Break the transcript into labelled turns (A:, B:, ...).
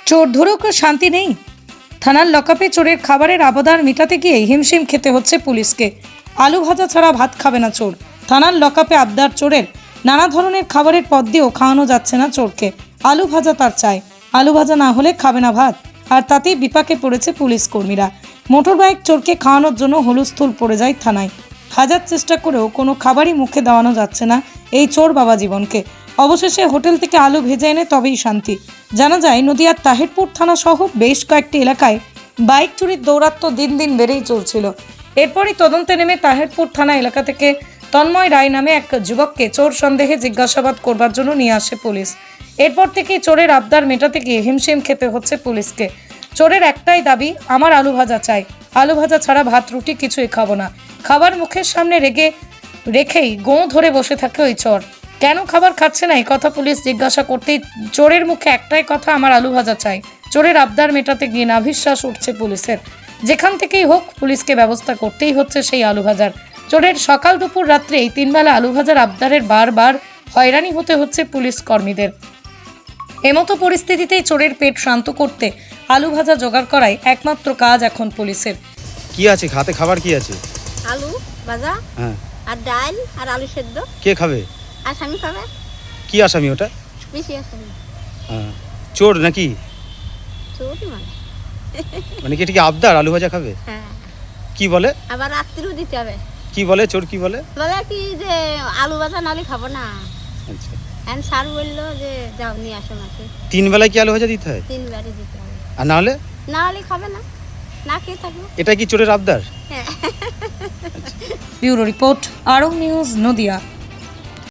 A: চোর ধরেও কেউ শান্তি নেই। থানার লকআপে চোরের খাবারের আবদার মেটাতে গিয়ে হিমশিম খেতে হচ্ছে পুলিশকে। আলু ভাজা ছাড়া ভাত খাবে না চোর। থানার লকআপে আবদার চোরের, নানা ধরনের খাবারের পদ দিয়েও খাওয়ানো যাচ্ছে না চোরকে। আলু ভাজা তার চাই, আলু ভাজা না হলে খাবে না ভাত। আর তাতেই বিপাকে পড়েছে পুলিশ কর্মীরা। মোটর বাইক চোরকে খাওয়ানোর জন্য হুলস্থুল পড়ে যায় থানায়। হাজার চেষ্টা করেও কোনো খাবারই মুখে দেওয়ানো যাচ্ছে না এই চোর বাবা জীবনকে। অবশেষে হোটেল থেকে আলু ভেজে এনে তবেই শান্তি। জানা যায় নদিয়ার তাহিরপুর থানা সহ বেশ কয়েকটি এলাকায় বাইক চুরির দৌরাত্ম্য দিন দিন বেড়েই চলছিল। এরপরই তদন্তে নেমে তাহিরপুর থানা এলাকা থেকে তন্ময় রায় নামে এক যুবককে চোর সন্দেহে জিজ্ঞাসাবাদ করবার জন্য নিয়ে আসে পুলিশ। এরপর থেকেই চোরের আবদার মেটাতে গিয়ে হিমশিম খেতে হচ্ছে পুলিশকে। চোরের একটাই দাবি, আমার আলু ভাজা চাই, আলু ভাজা ছাড়া ভাত রুটি কিছুই খাবো না। খাবার মুখের সামনে রেখেই গোঁ ধরে বসে থাকে ওই চোর। কেন খাবার খাচ্ছে না এই কথা পুলিশ জিজ্ঞাসা করতেই চোরের মুখে একটাই কথা, আমার আলু ভাজা চাই। চোরের আবদার মেটাতে গিয়ে নাভিশ্বাস উঠছে পুলিশের। যেখান থেকেই হোক পুলিশকে ব্যবস্থা করতেই হচ্ছে সেই আলু ভাজার। চোরের সকাল দুপুর রাত্রে এই 3 বেলা আলু ভাজার আবদারের বারবার হয়রানি হতে হচ্ছে পুলিশ কর্মীদের। এমতো পরিস্থিতিতেই চোরের পেট শান্ত করতে আলু ভাজা জোগাড় করাই একমাত্র কাজ এখন পুলিশের।
B: কি আছে হাতে, খাবার কি আছে?
C: আলু ভাজা,
B: হ্যাঁ,
C: আর ডাল আর আলু সেদ্ধ।
B: কে খাবে?
C: আসামি খাবে।
B: কি আসামি ওটা?
C: বেশি আসামি।
B: হ্যাঁ, চোর নাকি?
C: চোরই
B: মানে কি এটা কি আবদার আলু ভাজা খাবে?
C: হ্যাঁ।
B: কি বলে?
C: আবার রাত্রিও দিতে হবে।
B: কি বলে চোর, কি বলে?
C: বলে কি যে আলু ভাজা নালে খাবো না।
B: আচ্ছা,
C: এখন স্যার বললো যে যাও নিয়ে আসো মাকে।
B: 3 বেলায় কি আলু ভাজা দিতে হয়?
C: 3 বারে দিতে হবে।
B: আর না হলে?
C: না হলে খাবে না, না খেয়ে থাকবো।
B: এটা কি চোরের আবদার?
C: হ্যাঁ।
A: Bureau report, Arong news, Nadia.